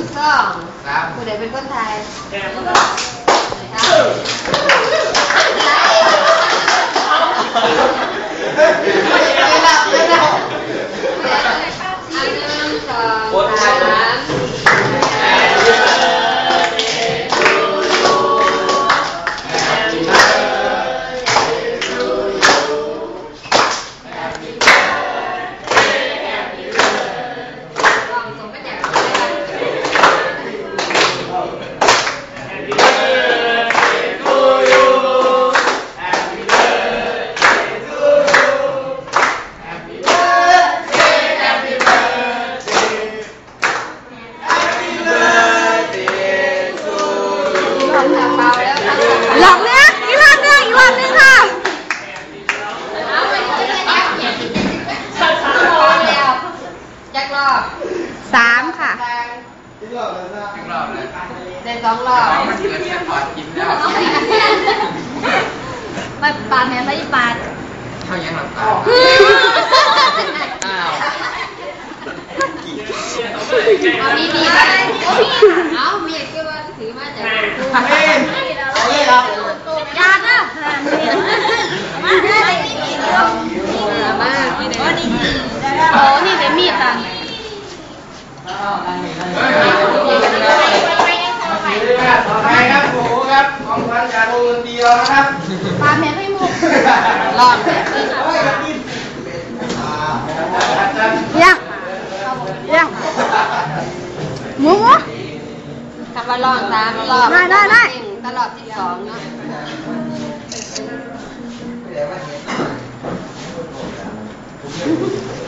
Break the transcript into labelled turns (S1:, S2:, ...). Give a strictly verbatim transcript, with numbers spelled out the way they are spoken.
S1: สองผู้ใดเป็นคนไทยไม่หลับไม่หลับอันหนึ่งสองสาม
S2: หลอกเนี่ยอีกรอบนึงอีกรอบนึงค่ะ
S1: ยักรอบ
S2: สามค่ะ
S1: ได้สองรอบ
S2: ไม่ปาดแม่ไม่ปาด
S3: เขายังหลับตาอ้าว
S1: เอามีมีไปเอามีก็ว่าถือมาจากกู
S3: ไม่ไม่หรอก
S2: ยากอ่ะมาได้ไม่มีเรื่อง
S1: มาก
S2: โอ้นี่โอ้นี่เดี๋ยวมีตัง
S3: ต่อไปครับโอ้โหครับของขวัญจากโรงเรียนนะครับ
S2: ปาแม่ให้มุก
S1: ลอง
S2: ยังยังหมูหมู
S1: คำว่าลองสามรอบ
S2: ได้ได้ได้
S1: ตลอดที่สองเนาะ